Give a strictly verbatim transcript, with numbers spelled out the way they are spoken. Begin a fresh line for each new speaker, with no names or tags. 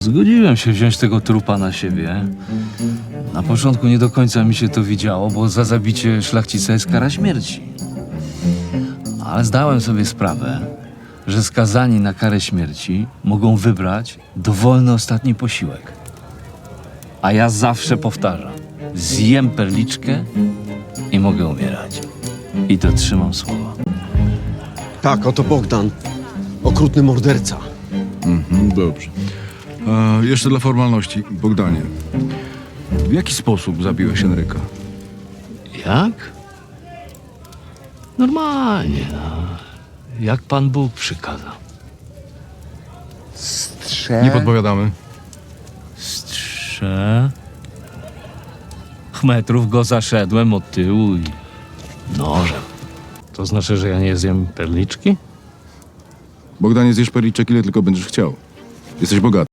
Zgodziłem się wziąć tego trupa na siebie. Na początku nie do końca mi się to widziało, bo za zabicie szlachcica jest kara śmierci. Ale zdałem sobie sprawę, że skazani na karę śmierci mogą wybrać dowolny ostatni posiłek. A ja zawsze powtarzam, zjem perliczkę i mogę umierać. I dotrzymam słowa.
Tak, oto Bogdan. Okrutny morderca.
Mhm, dobrze. A jeszcze dla formalności, Bogdanie. W jaki sposób zabiłeś Henryka?
Jak? Normalnie, no. Jak Pan Bóg przykazał.
Strze...
Nie podpowiadamy.
Strze... metrów go zaszedłem od tyłu i nożem. To znaczy, że ja nie zjem perliczki?
Bogdanie, zjesz perliczek ile tylko będziesz chciał. Jesteś bogaty.